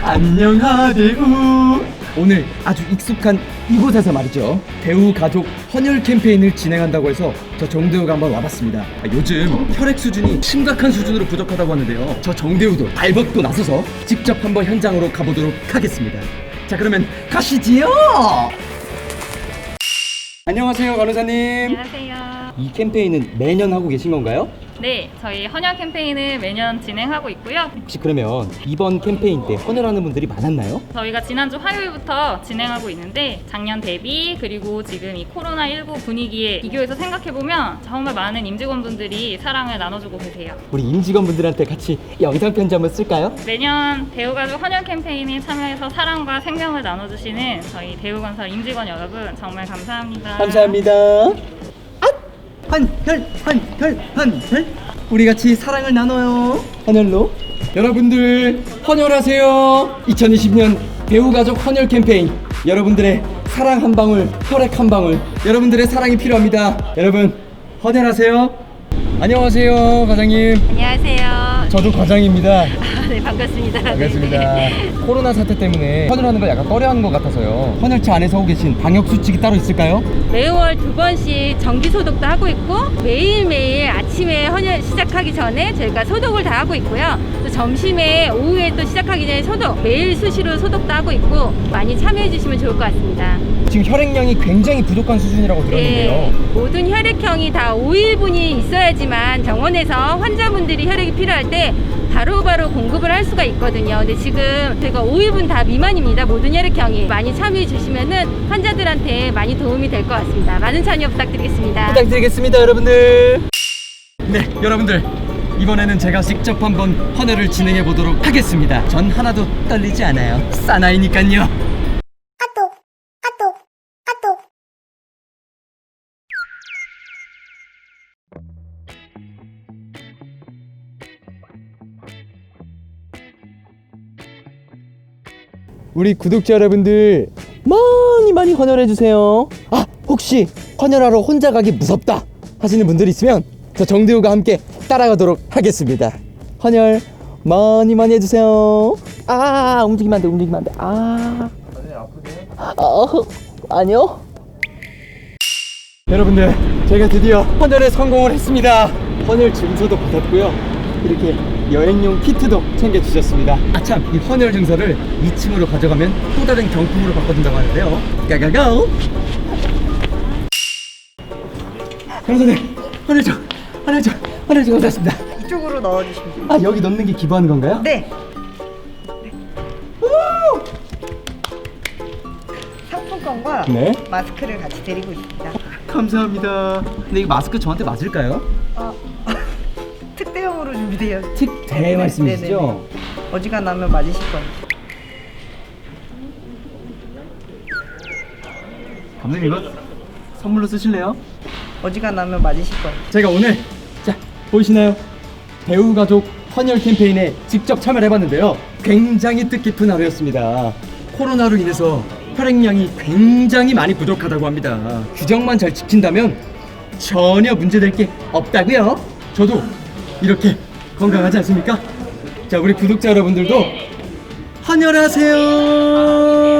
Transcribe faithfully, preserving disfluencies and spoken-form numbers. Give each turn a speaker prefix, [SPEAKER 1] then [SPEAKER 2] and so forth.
[SPEAKER 1] 안녕하대우. 오늘 아주 익숙한 이곳에서 말이죠, 배우 가족 헌혈 캠페인을 진행한다고 해서 저 정대우가 한번 와봤습니다. 아, 요즘 혈액 수준이 심각한 수준으로 부족하다고 하는데요, 저 정대우도 발벗고 나서서 직접 한번 현장으로 가보도록 하겠습니다. 자, 그러면 가시지요. 안녕하세요, 간호사님.
[SPEAKER 2] 안녕하세요.
[SPEAKER 1] 이 캠페인은 매년 하고 계신 건가요?
[SPEAKER 2] 네, 저희 헌혈 캠페인을 매년 진행하고 있고요.
[SPEAKER 1] 혹시 그러면 이번 캠페인 때 헌혈하는 분들이 많았나요?
[SPEAKER 2] 저희가 지난주 화요일부터 진행하고 있는데 작년 대비 그리고 지금 이 코로나십구 분위기에 비교해서 생각해보면 정말 많은 임직원분들이 사랑을 나눠주고 계세요.
[SPEAKER 1] 우리 임직원분들한테 같이 영상 편지 한번 쓸까요?
[SPEAKER 2] 매년 대우가족 헌혈 캠페인에 참여해서 사랑과 생명을 나눠주시는 저희 대우건설 임직원 여러분 정말 감사합니다.
[SPEAKER 1] 감사합니다. 헌혈 헌혈 헌혈, 우리 같이 사랑을 나눠요. 헌혈로 여러분들 헌혈하세요. 이천이십 년 배우가족 헌혈 캠페인, 여러분들의 사랑 한 방울, 혈액 한 방울, 여러분들의 사랑이 필요합니다. 여러분 헌혈하세요. 안녕하세요, 과장님.
[SPEAKER 2] 안녕하세요.
[SPEAKER 1] 저도 과장입니다.
[SPEAKER 2] 네, 반갑습니다.
[SPEAKER 1] 반갑습니다.
[SPEAKER 2] 네.
[SPEAKER 1] 코로나 사태 때문에 헌혈하는 걸 약간 꺼려하는 것 같아서요. 헌혈차 안에서 하고 계신 방역 수칙이 따로 있을까요?
[SPEAKER 3] 매월 두 번씩 정기 소독도 하고 있고, 매일매일 아침에 헌혈 시작하기 전에 저희가 소독을 다 하고 있고요. 또 점심에 오후에 또 시작하기 전에 소독, 매일 수시로 소독도 하고 있고, 많이 참여해 주시면 좋을 것 같습니다.
[SPEAKER 1] 지금 혈액량이 굉장히 부족한 수준이라고 들었는데요.
[SPEAKER 3] 네, 모든 혈액형이 다 오 일분이 있어야지만 병원에서 환자분들이 혈액이 필요할 때 바로바로 공급을 할 수가 있거든요. 근데 지금 저희가 오 일분 다 미만입니다. 모든 혈액형이. 많이 참여해 주시면은 환자들한테 많이 도움이 될 것 같습니다. 많은 참여 부탁드리겠습니다.
[SPEAKER 1] 부탁드리겠습니다, 여러분들. 네, 여러분들, 이번에는 제가 직접 한번 헌혈을 진행해 보도록 하겠습니다. 전 하나도 떨리지 않아요. 사나이니깐요. 우리 구독자 여러분들 많이 많이 헌혈해주세요. 아, 혹시 헌혈하러 혼자 가기 무섭다 하시는 분들 있으면 저 정대우가 함께 따라가도록 하겠습니다. 헌혈 많이 많이 해주세요. 아, 움직이면 안 돼, 움직이면 안 돼. 아, 아프세요? 아, 아니요. 여러분들, 제가 드디어 헌혈에 성공을 했습니다. 헌혈 증서도 받았고요, 이렇게 여행용 키트도 챙겨주셨습니다. 아참, 이 헌혈 증서를 이 층으로 가져가면 또 다른 경품으로 바꿔준다고 하는데요. 가가고! 변호사님, 헌혈 좀, 헌혈 좀, 헌혈 좀 받았습니다.
[SPEAKER 4] 이쪽으로 넣어주시면 됩니다.
[SPEAKER 1] 아, 여기 넣는 게 기부하는 건가요?
[SPEAKER 4] 네. 상품권과
[SPEAKER 1] 네.
[SPEAKER 4] 마스크를 같이 드리고 있습니다.
[SPEAKER 1] 감사합니다. 근데 이 마스크 저한테 맞을까요?
[SPEAKER 4] 어, 특대용으로 준비되어.
[SPEAKER 1] 특대 말씀이시죠?
[SPEAKER 4] 네네네. 어지간하면 맞으실 거예요.
[SPEAKER 1] 감독님, 이거 선물로 쓰실래요?
[SPEAKER 4] 어지간하면 맞으실 거예요.
[SPEAKER 1] 제가 오늘, 자, 보이시나요? 배우 가족 헌혈 캠페인에 직접 참여를 해봤는데요, 굉장히 뜻깊은 하루였습니다. 코로나로 인해서 혈액량이 굉장히 많이 부족하다고 합니다. 규정만 잘 지킨다면 전혀 문제될 게 없다고요. 저도 이렇게 건강하지 않습니까? 자, 우리 구독자 여러분들도 헌혈하세요.